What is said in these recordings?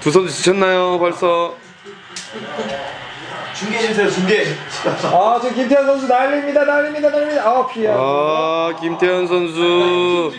두 선수 지쳤나요 벌써? 중계해주세요, 중계. 아, 지금 김태현 선수 날립니다. 아, 피해. 아, 김태현 선수.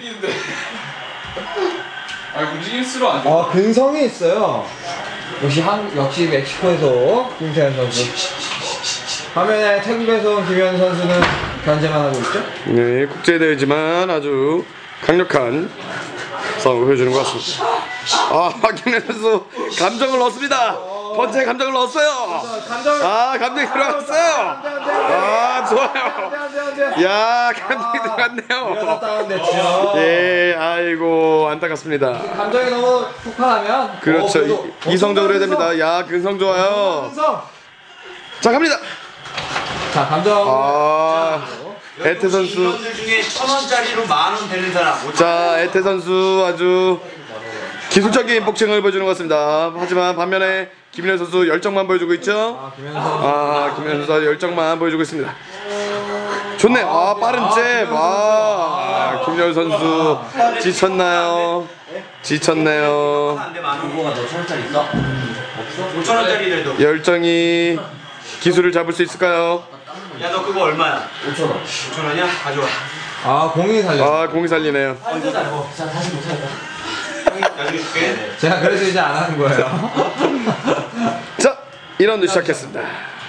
움직일수록 안 돼. 아, 근성이 있어요. 역시 멕시코에서 김태현 선수. 화면에 태국에서 온 김현 선수는 견제만 하고 있죠? 네, 국제대회지만 아주 강력한 싸움을 보여주는 것 같습니다. 아, 김현 선수 감정을 넣었습니다. 번째 감정을 넣었어요. 아, 감정이 들어갔어요. 아, 좋아요. 야, 감정이 들어갔네요. 다운됐죠. 예, 아이고 안타깝습니다. 감정이 너무 폭발하면 그렇죠. 이성적으로 해야 됩니다. 야, 근성 좋아요. 근성. 자, 갑니다. 자, 감정. 아, 에테 선수. 이분들 중에 1,000원짜리로 10,000원 되는 사람. 자, 에테 선수 아주 기술적인 복싱을 보여주는 것 같습니다. 하지만 반면에 김민현 선수 열정만 보여주고 있죠. 김민현 선수 아주 열정만 보여주고 있습니다. 좋네. 아, 빠른 잽. 아, 김민현 선수 지쳤나요? 지쳤네요. 안돼 10,000원. 뭐가 너 1,000원짜리 있어? 없어? 5,000원짜리래도. 열정이 기술을 잡을 수 있을까요? 야, 너 그거 얼마야? 5,000원. 5,000원이야? 가져와. 아, 공이 살려. 아, 공이 살리네요. 다시 못하겠다. 나중에 줄게. 제가 그래서 이제 안 하는 거예요. 자, 2라운드 시작했습니다.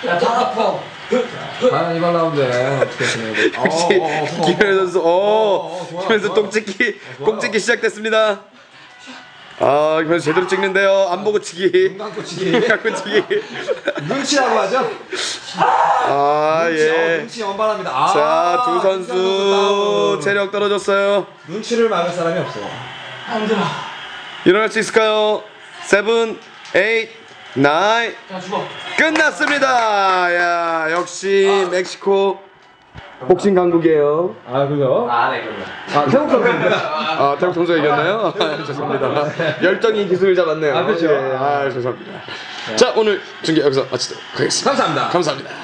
과연 이번 라운드에 어떻게 진행해? 역시 김현 선수, 김현 선수 꽁찍기 시작됐습니다. 아, 김현 선수 제대로 찍는데요. 안 보고 치기. 눈 감고 치기. 눈 감고 치기. 눈치라고 하죠? 아, 예. 눈치 원발합니다. 아, 자, 두 선수 다운. 체력 떨어졌어요. 눈치를 막을 사람이 없어요. 일어날 수 있을까요? 7, 8, 9. 끝났습니다. 야, 역시 멕시코 복싱 강국이에요. 아, 그죠? 네, 그럼. 아, 태국 선수인데. 아, 태국 선수가 이겼나요? 아, 죄송합니다. 열정이 기술을 잡았네요. 아, 그렇죠. 예, 아, 죄송합니다. 자, 오늘 중계 여기서 마치도록 하겠습니다. 감사합니다. 감사합니다.